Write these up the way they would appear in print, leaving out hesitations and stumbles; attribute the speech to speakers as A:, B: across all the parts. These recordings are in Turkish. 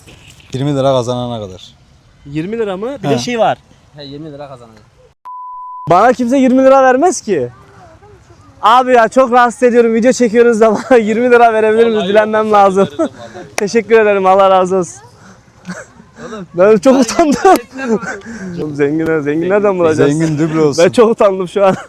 A: verirsin?
B: 20 lira kazanana kadar.
C: 20 lira mı? Bir
B: He.
C: de şey var.
A: He 20 lira kazanacak.
C: Bana kimse 20 lira vermez ki. Abi ya çok rahatsız ediyorum. Video çekiyoruz da bana 20 lira verebilir misiniz? Dilenmem lazım. Teşekkür ederim. Allah razı olsun. Ben çok utandım. Oğlum zengin nereden bulacağız?
B: Zengin duble olsun.
C: Ben çok utandım şu an.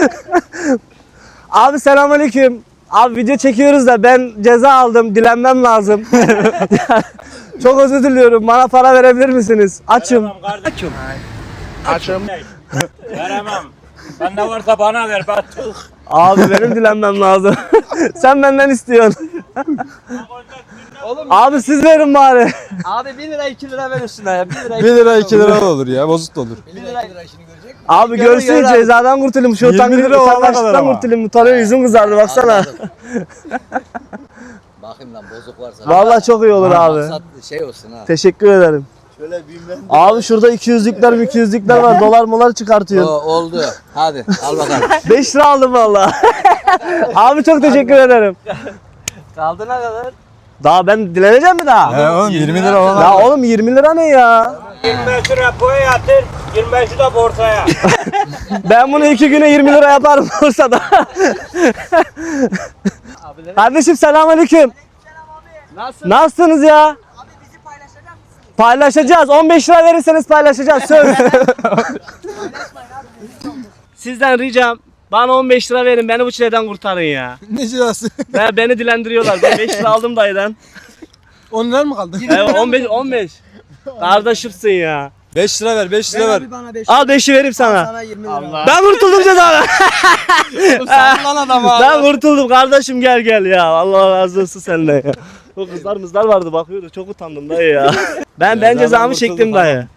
C: Abi selamünaleyküm. Abi video çekiyoruz da ben ceza aldım. Dilenmem lazım. Çok özür diliyorum. Bana para verebilir misiniz? Açım.
D: Açım. Veremem. Bende varsa bana ver. Ben
C: Abi benim dilenmem lazım. Sen benden istiyorsun.
A: Oğlum
C: Abi siz verin bari.
A: abi 1 lira 2 lira ver üstüne ya. 1 lira
B: 1 lira 2 lira da olur ya. Bozuk da olur.
A: 1 lira 2 lira işini görecek.
C: Abi
A: Görün,
C: görsün
A: görün abi.
C: cezadan kurtulayım. Şu
B: 20 lira olana kadar
C: utangaçlıktan
B: ama.
C: kurtulayım. Utanıyor yüzüm kızardı baksana.
A: Anladım. Bakayım lan bozuk varsa.
C: Vallahi çok iyi olur abi.
A: Maksat şey olsun ha.
C: Teşekkür ederim. Abi şurada 200'lükler var. Dolar molar çıkartıyor.
A: Oldu. Hadi al bakalım.
C: 5 lira aldım valla. Abi çok teşekkür ederim.
A: Kaldı ne kadar?
C: Daha ben dileneceğim mi daha?
B: He oğlum 20 lira olana
C: Ya
B: kadar.
C: oğlum 20 lira ne ya?
D: 25 lira boya yatır. 25'i de borsaya.
C: Ben bunu 2 güne 20 lira yaparım Bursa'da. Kardeşim selamünaleyküm.
A: Nasıl?
C: Nasılsınız ya? Paylaşacağız. 15 lira verirseniz paylaşacağız. Söz. Sizden ricam bana 15 lira verin. Beni bu çileden kurtarın ya.
B: Ne cilası?
C: Beni dilendiriyorlar. Ben 5 lira aldım dayıdan.
B: 10 lira mı kaldı?
C: Evet 15. Kardeşimsin ya.
B: 5 lira ver 5 lira ver.
A: Bana 5
C: Al 5'i vereyim sana.
A: sana 20 lira.
C: Ben kurtuldum cezadan.
A: Lan adam abi.
C: Ben kurtuldum kardeşim gel ya. Allah razı olsun senden ya. O kızlar vardı bakıyordu. Çok utandım dayı ya. Ben cezamı çektim dayı.